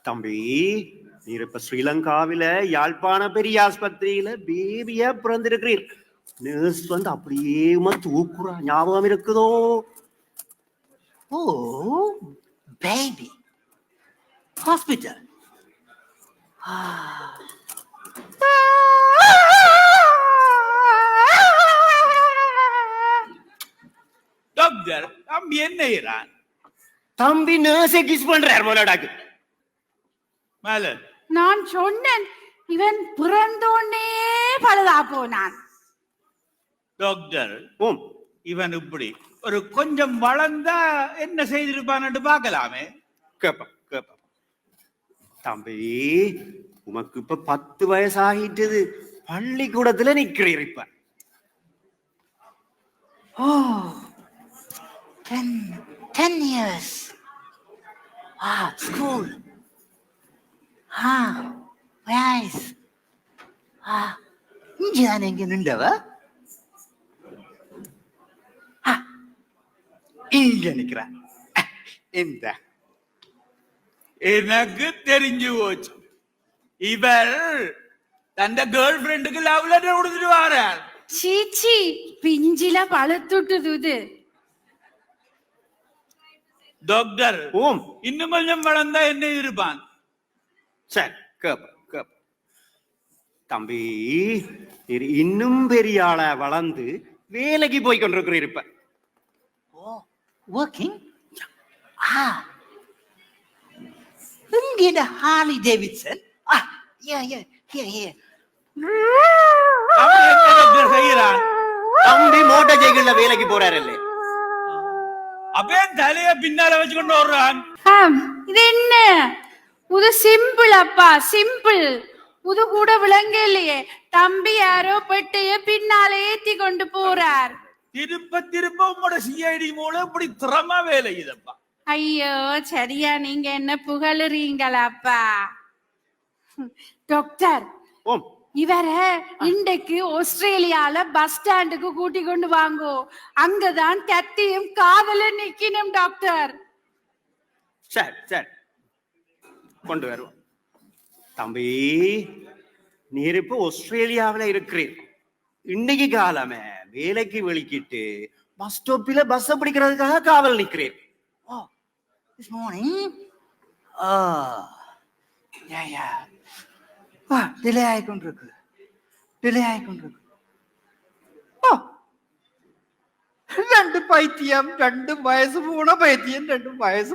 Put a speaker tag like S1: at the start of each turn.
S1: தம்பி, நீர் இப்ப ஸ்ரீலங்காவில யாழ்ப்பாண பெரிய ஆஸ்பத்திரியில பேபியா பிறந்திருக்கிறீர். நர்ஸ் வந்து அப்படியே தூக்குறா, ஞாபகம் இருக்குதோ?
S2: ஓ, பேபி ஹாஸ்பிட்டல்.
S3: டாக்டர், தம்பி என்ன செய்றான்?
S1: தம்பி நர்ஸை கிஸ் பண்றார் போலடாக்கு.
S3: மலர்,
S4: நான் சொன்னேன் இவன் பிறந்தோன்னே பழுதா போனான்.
S3: டாக்டர்,
S1: ஓம்,
S3: இவன் இப்படி ஒரு கொஞ்சம் வளர்ந்தா என்ன செய்திருப்பான்னு பார்க்கலாமே.
S1: கேப்பா கேப்பா. தம்பி, உமக்கு இப்ப 10 வயசு ஆகிட்டது. பள்ளிக்கூடத்துல நிக்கிறீர் இப்ப.
S2: Oh, 10 years. School. Nice. இங்கதான் எங்க நின்றவ? இங்க நிக்கிற. இந்த
S3: எனக்கு தெரிஞ்சு போச்சு, இவர் தந்த கேர்ள் ஃப்ரெண்டுக்கு லவ் லெட்டர் கொடுத்துட்டு வாரார்.
S4: சீச்சி, பிஞ்சில பழுத்துட்டுது.
S3: டாக்டர்,
S1: ஓம்,
S3: இன்னும் கொஞ்சம் வளர்ந்தா என்ன இருப்பான்?
S1: சரி கேப்பா கேப்பா. தம்பி, நீர் இன்னும் பெரிய ஆளா வளர்ந்து வேலைக்கு போய் கொண்டிருக்கிறீர் இப்ப.
S2: working? இங்க ஹார்லி டேவிட்சன். Here.
S3: அவன் என்ன டாக்டர் செய்யறான்?
S1: தம்பி மோட்டார் சைக்கிள்ல வேலைக்கு போறாரு.
S3: அவன் தலைய பின்னால வச்சுக்கொண்டு வர்றான்.
S4: இது என்ன? இது சிம்பிள் அப்பா, சிம்பிள். இது கூட விளங்க இல்லையே. தம்பி யாரோ பெட்டைய பின்னாலே ஏத்தி கொண்டு போறார்.
S3: திருப்ப உங்களோட சிஐடி மூலம் இப்படி திறமா வேலை இதப்பா.
S4: ஐயோ, சரியா நீங்க என்ன புகழுறீங்களாப்பா? டாக்டர்,
S1: ஓம்,
S4: இவர இன்றைக்கு ஆஸ்திரேலியால பஸ் ஸ்டாண்டுக்கு கூட்டி கொண்டு வாங்கோ. அங்கதான் கத்தியும் காதல நிக்கணும் டாக்டர்.
S1: சரி சரி, கொண்டு வருவோம். தம்பி, நீர் இப்ப ஆஸ்திரேலியாவில இருக்கிறீர். இன்னைக்கு காலமே வேலைக்கு வெளிக்கிட்டு பஸ் ஸ்டாப்பில பஸ் பிடிக்கிறதுக்காக காவல் நிக்கிறேன்.
S2: This morning. டிலே ஆயிக்கொண்டிருக்கு. ரெண்டு பைத்தியம், 2 வயசு போன பைத்தியம், 2 வயசு